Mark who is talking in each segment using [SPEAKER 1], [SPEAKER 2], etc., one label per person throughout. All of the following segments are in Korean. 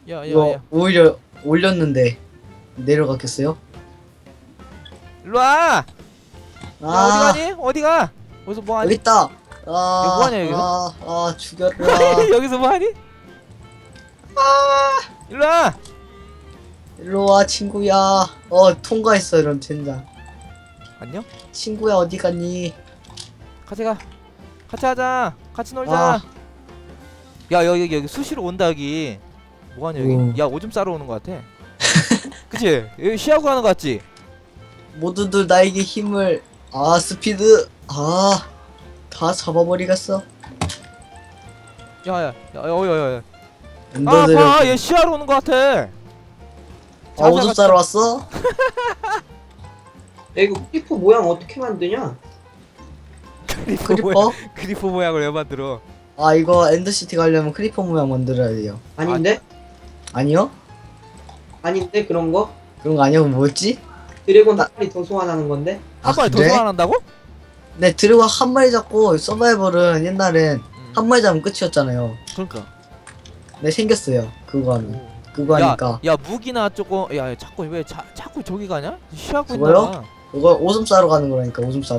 [SPEAKER 1] 이거
[SPEAKER 2] 야.
[SPEAKER 1] 오히려 올렸는데 내려갔겠어요?
[SPEAKER 2] 일로와. 야, 어디
[SPEAKER 1] 아
[SPEAKER 2] 가니? 어디 가? 어디서 뭐 하니?
[SPEAKER 1] 여기 있다.
[SPEAKER 2] 이거 뭐하냐, 여기서?
[SPEAKER 1] 죽여라.
[SPEAKER 2] 여기서 뭐 하니? 일로와.
[SPEAKER 1] 일로와 친구야. 통과했어. 이런 젠장.
[SPEAKER 2] 안녕?
[SPEAKER 1] 친구야 어디 갔니?
[SPEAKER 2] 같이 가. 같이 하자. 같이 놀자.
[SPEAKER 1] 아.
[SPEAKER 2] 야, 여기 수시로 온다, 여기. 뭐 하냐, 여기?
[SPEAKER 1] 오.
[SPEAKER 2] 야, 오줌 싸러 오는 거 같아. 그치? 여기 쉬하고 가는 거 같지?
[SPEAKER 1] 모두들 나에게 힘을. 스피드. 다 잡아버리겠어.
[SPEAKER 2] 야.
[SPEAKER 1] 엔더들.
[SPEAKER 2] 봐, 얘 쉬하러 오는 거 같아.
[SPEAKER 1] 오줌 싸러 왔어?
[SPEAKER 3] 야 이거 피프 모양 어떻게 만드냐?
[SPEAKER 1] 크리퍼?
[SPEAKER 2] 크리퍼 모양을 왜 만들어?
[SPEAKER 1] 이거 엔더시티 가려면 크리퍼 모양 만들어야 돼요.
[SPEAKER 3] 아닌데?
[SPEAKER 1] 아니요?
[SPEAKER 3] 아닌데 그런 거?
[SPEAKER 1] 그런 거 아니고 뭐였지?
[SPEAKER 3] 드래곤 한 마리 더 소환하는 건데?
[SPEAKER 2] 한 마리 더
[SPEAKER 1] 그래?
[SPEAKER 2] 소환한다고?
[SPEAKER 1] 네, 드래곤 한 마리 잡고 서바이벌은 옛날엔 한 마리 잡으면 끝이었잖아요.
[SPEAKER 2] 그러니까.
[SPEAKER 1] 네, 생겼어요. 그거 하면. 그거 하니까.
[SPEAKER 2] 야, 무기나 조금. 야, 자꾸 왜 자꾸 저기 가냐? 쉬하고
[SPEAKER 1] 그거요?
[SPEAKER 2] 있나?
[SPEAKER 1] 그거 오줌 싸러 가는 거라니까, 오줌 싸러.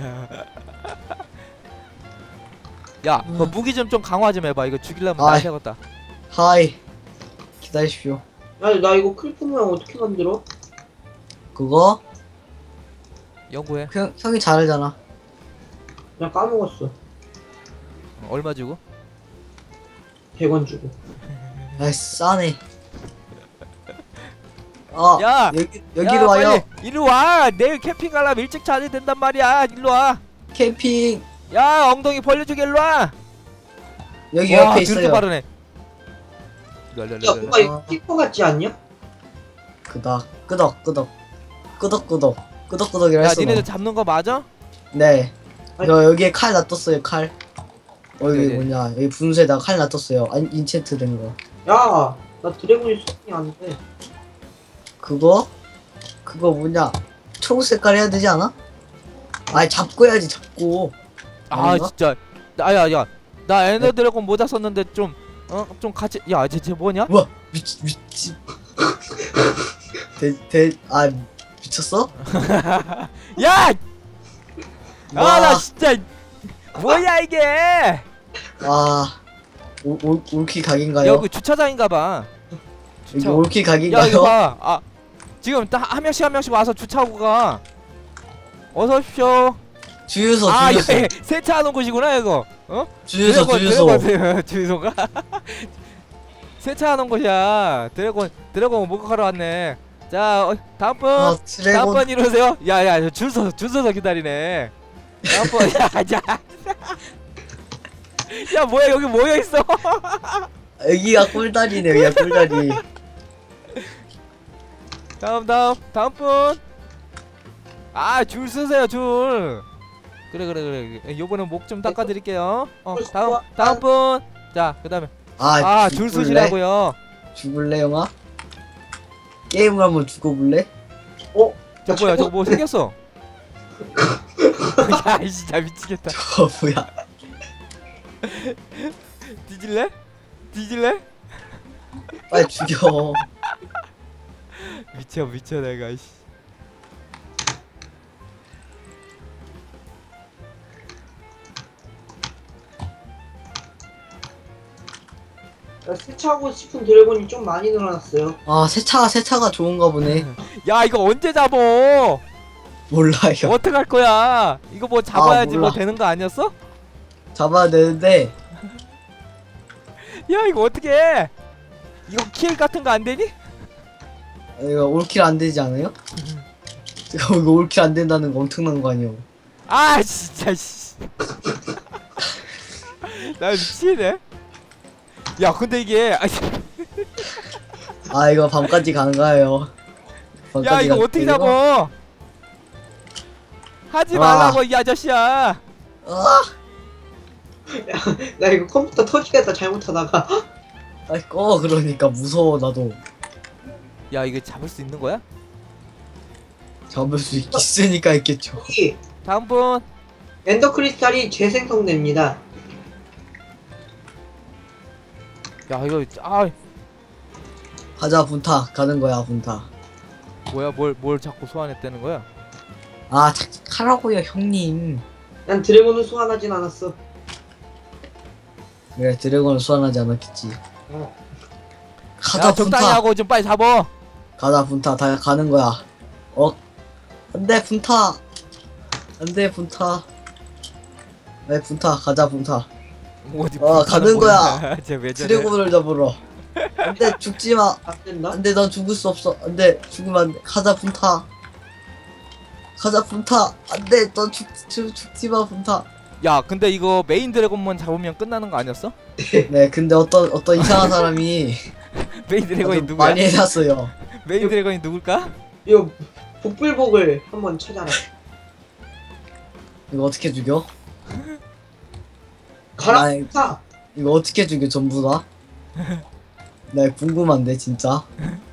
[SPEAKER 2] 야, 그 무기 좀 강화 좀 해봐. 이거 죽이려면
[SPEAKER 1] 아이.
[SPEAKER 2] 나 되겠다.
[SPEAKER 1] 하이. 기다리십시오.
[SPEAKER 3] 야 나 이거 크리프 모양 어떻게 만들어?
[SPEAKER 1] 그거?
[SPEAKER 2] 연구해.
[SPEAKER 1] 형이 잘하잖아.
[SPEAKER 3] 나 까먹었어.
[SPEAKER 2] 얼마 주고?
[SPEAKER 3] 100원 주고.
[SPEAKER 1] 아이, 싸네.
[SPEAKER 2] 야!
[SPEAKER 1] 여기로
[SPEAKER 2] 야,
[SPEAKER 1] 와요.
[SPEAKER 2] 빨리 이리 와. 내일 캠핑 가려면 일찍 자야 된단 말이야. 일로 와.
[SPEAKER 1] 캠핑.
[SPEAKER 2] 야, 엉덩이 벌려주게 일로 와.
[SPEAKER 1] 여기
[SPEAKER 2] 와,
[SPEAKER 1] 옆에
[SPEAKER 2] 드럽게
[SPEAKER 1] 있어요.
[SPEAKER 2] 빠르네.
[SPEAKER 3] 야 뭔가 이거 피프 같지 않냐?
[SPEAKER 1] 끄덕끄덕이라
[SPEAKER 2] 야,
[SPEAKER 1] 했어.
[SPEAKER 2] 니네들 잡는 거 맞아?
[SPEAKER 1] 네.
[SPEAKER 3] 아니.
[SPEAKER 1] 여기에 칼 놔뒀어요, 칼. 여기
[SPEAKER 2] 네네.
[SPEAKER 1] 뭐냐, 여기 분수에다가 칼 놔뒀어요. 인챈트 된 거.
[SPEAKER 3] 야 나 드래곤이 소환이 안 돼.
[SPEAKER 1] 그거 뭐냐, 초록 색깔 해야 되지 않아? 잡고 해야지, 잡고.
[SPEAKER 2] 아,
[SPEAKER 1] 아닌가?
[SPEAKER 2] 진짜. 야. 나 에너 드래곤 모자 썼는데 좀 좀 같이. 야, 쟤 뭐냐?
[SPEAKER 1] 우와, 미치. 미쳤어?
[SPEAKER 2] 야!
[SPEAKER 1] 와.
[SPEAKER 2] 나 진짜 뭐야 이게?
[SPEAKER 1] 올킬 각인가요?
[SPEAKER 2] 여기 주차장인가 봐.
[SPEAKER 1] 여기 올킬
[SPEAKER 2] 야, 이거
[SPEAKER 1] 각인가요?
[SPEAKER 2] 봐. 지금 딱 한 명씩 와서 주차하고 가. 어서 오십시오.
[SPEAKER 1] 주유소.
[SPEAKER 2] 이거 세차하는 곳이구나 이거.
[SPEAKER 1] 주유소.
[SPEAKER 2] 주유소가? 세차하는 곳이야. 드래곤 목욕하러 왔네. 자, 다음 분.
[SPEAKER 1] 드래곤.
[SPEAKER 2] 다음 분 이러세요. 야, 줄 서서 기다리네. 다음 분. 야. 야, 뭐야 여기 모여 있어.
[SPEAKER 1] 여기가 꿀다리네, 여기가 꿀다리.
[SPEAKER 2] 다음 분. 줄 서세요, 줄. 그래. 요번엔 목 좀 닦아드릴게요. 다음 분. 자, 그다음에 줄 서시라고요.
[SPEAKER 1] 죽을래, 형아? 게임을 한번 죽어볼래?
[SPEAKER 2] 저거 뭐 생겼어? 야, 이 진짜 미치겠다.
[SPEAKER 1] 뭐야?
[SPEAKER 2] 뒤질래?
[SPEAKER 1] 빨리 죽여.
[SPEAKER 2] 미쳐 내가. 이씨.
[SPEAKER 3] 야, 세차하고 싶은 드래곤이 좀 많이 늘어났어요.
[SPEAKER 1] 세차가 좋은가 보네.
[SPEAKER 2] 야, 이거 언제 잡어?
[SPEAKER 1] 몰라요.
[SPEAKER 2] 어떡할 거야? 이거 뭐 잡아야지 뭐
[SPEAKER 1] 몰라.
[SPEAKER 2] 되는 거 아니었어?
[SPEAKER 1] 잡아야 되는데.
[SPEAKER 2] 야, 이거 어떻게 해? 이거 킬 같은 거 안 되니?
[SPEAKER 1] 이거 올킬 안 되지 않아요? 이거 올킬 안 된다는 거 엄청난 거 아니에요?
[SPEAKER 2] 진짜 씨. 나 미치네. 야, 근데 이게
[SPEAKER 1] 이거 밤까지 가는가요?
[SPEAKER 2] 야, 이거 어떻게 잡어? 하지 말라고 이 아저씨야.
[SPEAKER 3] 나 이거 컴퓨터 터지겠다 잘못하다가.
[SPEAKER 1] 그러니까 무서워 나도.
[SPEAKER 2] 야, 이거 잡을 수 있는 거야?
[SPEAKER 1] 잡을 수 있으니까 있겠죠.
[SPEAKER 3] 여기
[SPEAKER 2] 다음 분.
[SPEAKER 3] 엔더 크리스탈이 재생성됩니다.
[SPEAKER 2] 야, 이거
[SPEAKER 1] 가자 분타 가는 거야 분타.
[SPEAKER 2] 뭐야 뭘 자꾸 소환했다는 거야?
[SPEAKER 1] 아 착하라고요 형님.
[SPEAKER 3] 난 드래곤을 소환하진 않았어.
[SPEAKER 1] 그래 드래곤을 소환하지 않았겠지.
[SPEAKER 3] 어.
[SPEAKER 1] 가자
[SPEAKER 2] 야 적당히
[SPEAKER 1] 분타.
[SPEAKER 2] 하고 좀 빨리 잡어.
[SPEAKER 1] 가자 분타 다 가는 거야. 안돼 분타. 안돼 분타. 네 분타 가자 분타.
[SPEAKER 2] 어디
[SPEAKER 1] 가는 거야.
[SPEAKER 2] 쟤왜 저래?
[SPEAKER 1] 드래곤을 잡으러. 안돼 죽지 마.
[SPEAKER 3] 안 된다?
[SPEAKER 1] 안돼 넌 죽을 수 없어. 안돼 죽으면 안돼. 가자 분타. 가자 분타. 안돼 넌 죽지 마 분타.
[SPEAKER 2] 야 근데 이거 메인 드래곤만 잡으면 끝나는 거 아니었어?
[SPEAKER 1] 네 근데 어떤 이상한 사람이
[SPEAKER 2] 메인 드래곤이
[SPEAKER 1] 아주
[SPEAKER 2] 누구야?
[SPEAKER 1] 많이 해놨어요.
[SPEAKER 2] 메인 드래곤이 누굴까?
[SPEAKER 3] 이거 복불복을 한번 찾아라.
[SPEAKER 1] 이거 어떻게 죽여?
[SPEAKER 3] 가라
[SPEAKER 1] 아이.
[SPEAKER 3] 타.
[SPEAKER 1] 이거 어떻게 죽여 전부 다? 나 궁금한데 진짜.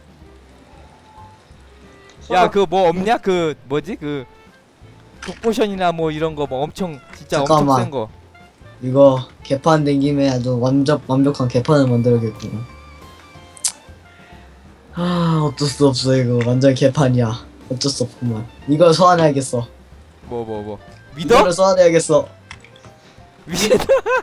[SPEAKER 2] 야 그 뭐 없냐? 그 뭐지? 그 독포션이나 뭐 이런 거 뭐 엄청 진짜 엄청
[SPEAKER 1] 잠깐만.
[SPEAKER 2] 센 거.
[SPEAKER 1] 이거 개판 된 김에 아주 완벽한 개판을 만들어야겠구나. 어쩔 수 없어 이거 완전 개판이야. 어쩔 수 없구만. 이걸 소환해야겠어.
[SPEAKER 2] 뭐 믿어?
[SPEAKER 1] 이거를 소환해야겠어.
[SPEAKER 2] 믿어?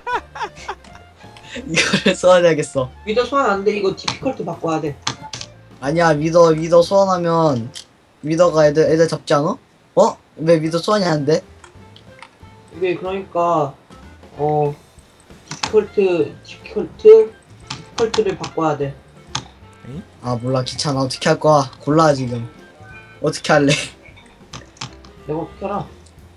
[SPEAKER 1] 이거를 소환해야겠어.
[SPEAKER 3] 위더 소환 안 돼. 이거 디피컬트 바꿔야 돼.
[SPEAKER 1] 아니야 미더 소환하면 미더가 애들 잡지 않아? 왜 미더 소환이 안 돼?
[SPEAKER 3] 이게 그러니까 디피컬트를 바꿔야 돼.
[SPEAKER 1] 아 몰라 귀찮아. 어떻게 할 거야? 골라 지금. 어떻게 할래?
[SPEAKER 3] 내가 어떻게 알아?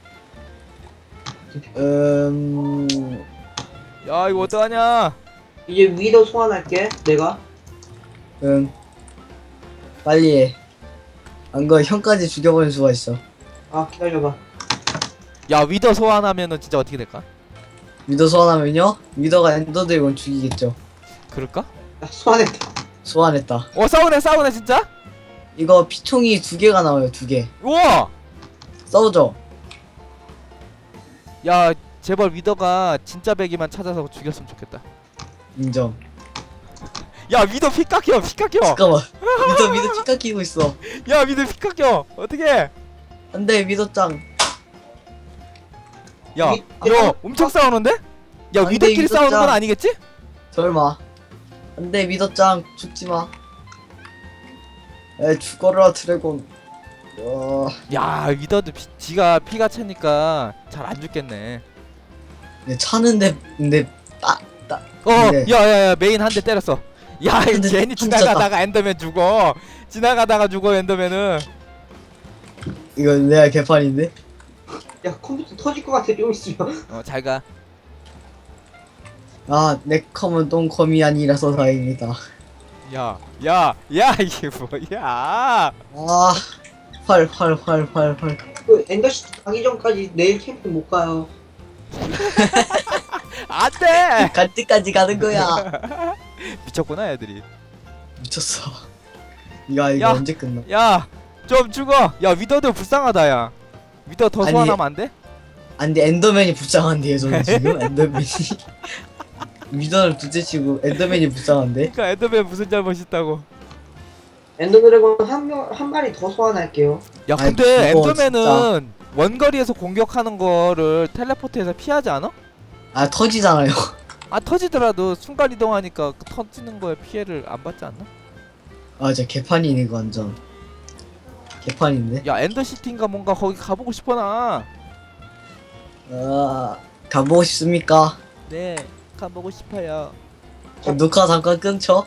[SPEAKER 2] 야 이거 어떡하냐?
[SPEAKER 3] 이제 위더 소환할게. 내가.
[SPEAKER 1] 빨리 해. 안 그러면 형까지 죽여버릴 수가 있어.
[SPEAKER 3] 아 기다려봐.
[SPEAKER 2] 야 위더 소환하면은 진짜 어떻게 될까?
[SPEAKER 1] 미더 소환하면요? 미더가 엔더 드래곤 죽이겠죠.
[SPEAKER 2] 그럴까?
[SPEAKER 3] 나 소환했다.
[SPEAKER 1] 소환했다.
[SPEAKER 2] 싸우네 진짜?
[SPEAKER 1] 이거 피총이 2개가 나와요. 2개.
[SPEAKER 2] 우와!
[SPEAKER 1] 싸우죠?
[SPEAKER 2] 야 제발 위더가 진짜 배기만 찾아서 죽였으면 좋겠다.
[SPEAKER 1] 인정.
[SPEAKER 2] 야 위더 피 깎여.
[SPEAKER 1] 잠깐만. 미더 치카 끼고 있어.
[SPEAKER 2] 야 위더 피 깎여. 어떻게?
[SPEAKER 1] 안돼 미더짱.
[SPEAKER 2] 야 너 엄청 싸우는데? 야
[SPEAKER 1] 안 돼,
[SPEAKER 2] 위더끼리
[SPEAKER 1] 위더
[SPEAKER 2] 싸우는 건
[SPEAKER 1] 짱.
[SPEAKER 2] 아니겠지?
[SPEAKER 1] 설마. 안돼 미더짱 죽지마. 죽어라 드래곤.
[SPEAKER 2] 야 위더도 지가 피가 차니까 잘 안 죽겠네.
[SPEAKER 1] 차는데 근데 네.
[SPEAKER 2] 야야야 메인 한 대 때렸어. 야
[SPEAKER 1] 근데
[SPEAKER 2] 괜히
[SPEAKER 1] 진짜
[SPEAKER 2] 지나가다가 엔더맨 죽어. 지나가다가 죽어 엔더맨은.
[SPEAKER 1] 이거 내가 개판인데?
[SPEAKER 3] 야 컴퓨터 터질 것 같아 좀 있으면.
[SPEAKER 2] 잘 가.
[SPEAKER 1] 내 컴은 똥컴이 아니라서 다행이다.
[SPEAKER 2] 야 이게 뭐야?
[SPEAKER 1] 활.
[SPEAKER 3] 그 엔더시티 가기 전까지 내일 캠프 못 가요.
[SPEAKER 2] 안돼.
[SPEAKER 1] 갈 때까지 가는 거야.
[SPEAKER 2] 미쳤구나 애들이.
[SPEAKER 1] 미쳤어. 이거
[SPEAKER 2] 야.
[SPEAKER 1] 언제 끝나?
[SPEAKER 2] 야 좀 죽어. 야 위더도 불쌍하다 야. 위더 더
[SPEAKER 1] 아니,
[SPEAKER 2] 소환하면 안 돼?
[SPEAKER 1] 안돼 엔더맨이 불쌍한데요 저는 지금 엔더맨이. 미더를 둘째치고 엔더맨이 불쌍한데?
[SPEAKER 2] 그러니까 엔더맨 무슨 잘못 있다고.
[SPEAKER 3] 엔더 드래곤 한 마리 더 소환할게요.
[SPEAKER 2] 야
[SPEAKER 1] 아이,
[SPEAKER 2] 근데
[SPEAKER 1] 무거워,
[SPEAKER 2] 엔더맨은 원거리에서 공격하는 거를 텔레포트해서 피하지 않아?
[SPEAKER 1] 터지잖아요.
[SPEAKER 2] 터지더라도 순간 이동하니까 그 터지는 거에 피해를 안 받지 않나?
[SPEAKER 1] 진짜 개판이네 이거 완전. 개판인데?
[SPEAKER 2] 야 엔더시티인가 뭔가 거기 가보고 싶어 나.
[SPEAKER 1] 가보고 싶습니까?
[SPEAKER 2] 네 가보고 싶어요.
[SPEAKER 1] 녹화 잠깐 끊죠?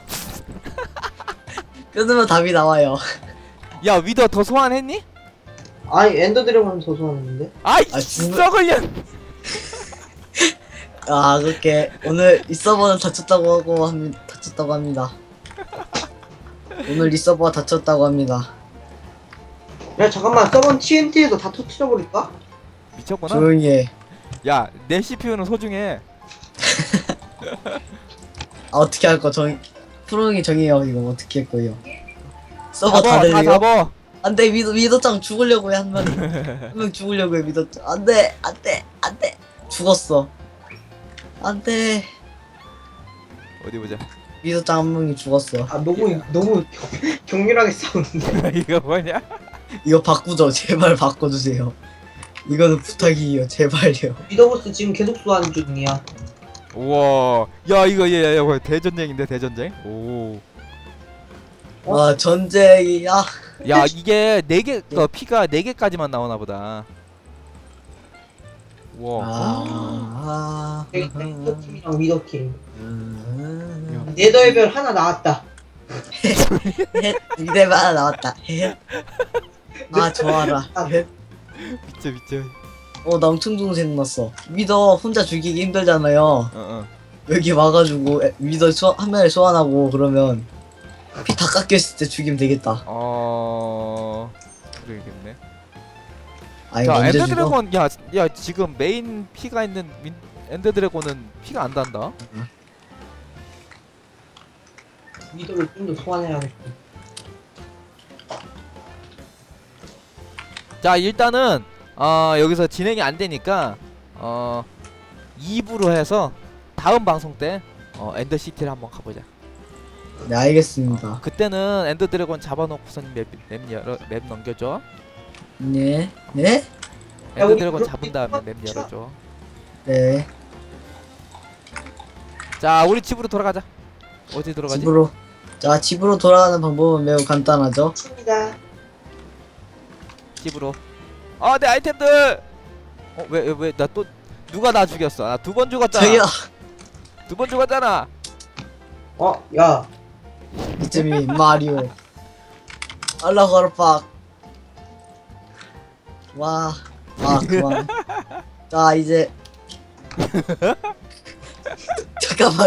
[SPEAKER 1] 끊으면 답이 나와요.
[SPEAKER 2] 야 위더 더 소환했니?
[SPEAKER 3] 아니 엔더 드래곤 더 소환했는데.
[SPEAKER 2] 아이
[SPEAKER 1] 진짜?
[SPEAKER 2] 썩을년.
[SPEAKER 1] 그렇게 오늘 이 서버는 다쳤다고 합니다. 오늘 이 서버가 다쳤다고 합니다.
[SPEAKER 3] 야 잠깐만 서번 TNT에서 다 터트려버릴까?
[SPEAKER 2] 미쳤구나.
[SPEAKER 1] 조용히 해.
[SPEAKER 2] 야 내 CPU는 소중해.
[SPEAKER 1] 어떻게 할 거 프로님이 정해요. 이거 어떻게 할 거예요? 서버
[SPEAKER 2] 다
[SPEAKER 1] 다들요?
[SPEAKER 2] 잡어.
[SPEAKER 1] 안돼 미더짱 죽으려고 해 한 명. 한 명 죽으려고 해 미더짱. 안돼 죽었어. 안돼.
[SPEAKER 2] 어디 보자.
[SPEAKER 1] 미소짱 한 명이 죽었어.
[SPEAKER 3] 아 너무 격렬하게 싸우는데.
[SPEAKER 2] 이거 뭐냐?
[SPEAKER 1] 이거 바꾸죠. 제발 바꿔주세요. 이거는 부탁이에요. 제발요.
[SPEAKER 3] 미더보스 지금 계속 소환 중이야.
[SPEAKER 2] 우와, 야 이거 얘 뭐야 대전쟁인데 대전쟁? 오,
[SPEAKER 1] 와 전쟁이야.
[SPEAKER 2] 야 이게 4개 피가 4개까지만 나오나 보다. 우와,
[SPEAKER 3] 넥서팀이랑 위더팀.
[SPEAKER 1] 음.
[SPEAKER 3] 네더의 별 하나 나왔다.
[SPEAKER 1] 이대만 하나 나왔다. 아 좋아라.
[SPEAKER 2] 미쳐.
[SPEAKER 1] 나 엄청 좋은 생각났어. 위더 혼자 죽이기 힘들잖아요.
[SPEAKER 2] 어.
[SPEAKER 1] 여기 와가지고 위더 한 명을 소환하고 그러면 피 다 깎였을 때 죽이면 되겠다.
[SPEAKER 2] 그러겠네.
[SPEAKER 1] 아니
[SPEAKER 2] 자,
[SPEAKER 1] 언제
[SPEAKER 2] 엔더
[SPEAKER 1] 죽어?
[SPEAKER 2] 드래곤 야 지금 메인 피가 있는 엔더 드래곤은 피가 안 단다.
[SPEAKER 3] 위더를 좀 더 소환해야겠다.
[SPEAKER 2] 자, 일단은 여기서 진행이 안 되니까 2부로 해서 다음 방송 때 엔더 시티를 한번 가보자.
[SPEAKER 1] 네 알겠습니다.
[SPEAKER 2] 그때는 엔더 드래곤 잡아놓고선 맵 넘겨줘.
[SPEAKER 1] 네. 네?
[SPEAKER 2] 엔더
[SPEAKER 3] 우리
[SPEAKER 2] 드래곤
[SPEAKER 3] 그렇게
[SPEAKER 2] 잡은 다음에 맵
[SPEAKER 3] 쳐.
[SPEAKER 2] 열어줘.
[SPEAKER 1] 네.
[SPEAKER 2] 자, 우리 집으로 돌아가자. 어디 들어가지?
[SPEAKER 1] 집으로. 자 집으로 돌아가는 방법은 매우 간단하죠.
[SPEAKER 3] 칩니다.
[SPEAKER 2] 집으로. 내 아이템들. 왜 나 또 누가 나 죽였어? 나 2번 죽었잖아.
[SPEAKER 1] 저기요.
[SPEAKER 2] 2번 죽었잖아.
[SPEAKER 3] 야.
[SPEAKER 1] 이쯤이 마리오. 알라후 아르팍. 와. 그만. 자 이제. 잠깐만.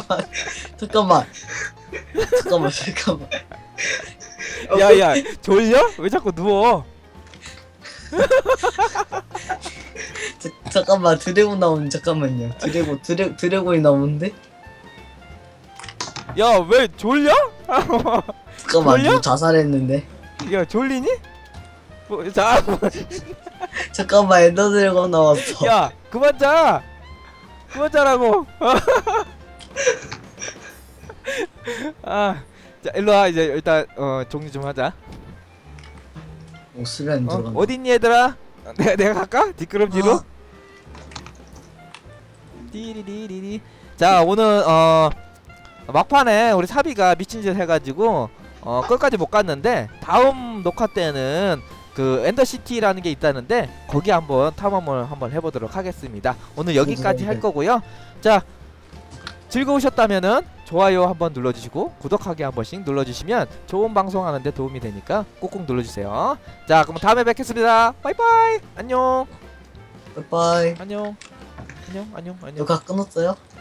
[SPEAKER 2] 야야, 졸려? 왜 자꾸 누워?
[SPEAKER 1] 잠깐만 드래곤 나오는 잠깐만요. 드래곤이 나오는데?
[SPEAKER 2] 야, 왜 졸려?
[SPEAKER 1] 잠깐만
[SPEAKER 2] 졸려?
[SPEAKER 1] 누구 자살했는데?
[SPEAKER 2] 야, 졸리니? 자,
[SPEAKER 1] 잠깐만 엔더 드래곤 나왔어.
[SPEAKER 2] 야, 그만 자. 그만 자라고. 자, 일로 와. 이제 일단 정리 좀 하자.
[SPEAKER 1] 수련 들어간다.
[SPEAKER 2] 어딨니 얘들아? 내가 갈까? 뒷걸음질로?
[SPEAKER 1] 어.
[SPEAKER 2] 띠리리리리. 자, 오늘 막판에 우리 사비가 미친짓 해가지고 끝까지 못 갔는데 다음 녹화 때는 그 엔더시티라는 게 있다는데 거기 한번 탐험을 한번 해보도록 하겠습니다. 오늘 여기까지 할 거고요. 자, 즐거우셨다면은 좋아요 한번 눌러주시고 구독하기 한 번씩 눌러주시면 좋은 방송 하는데 도움이 되니까 꾹꾹 눌러주세요. 자, 그럼 다음에 뵙겠습니다. 바이바이. 안녕.
[SPEAKER 1] 빠이빠이.
[SPEAKER 2] 안녕.
[SPEAKER 1] 녹화 끊었어요?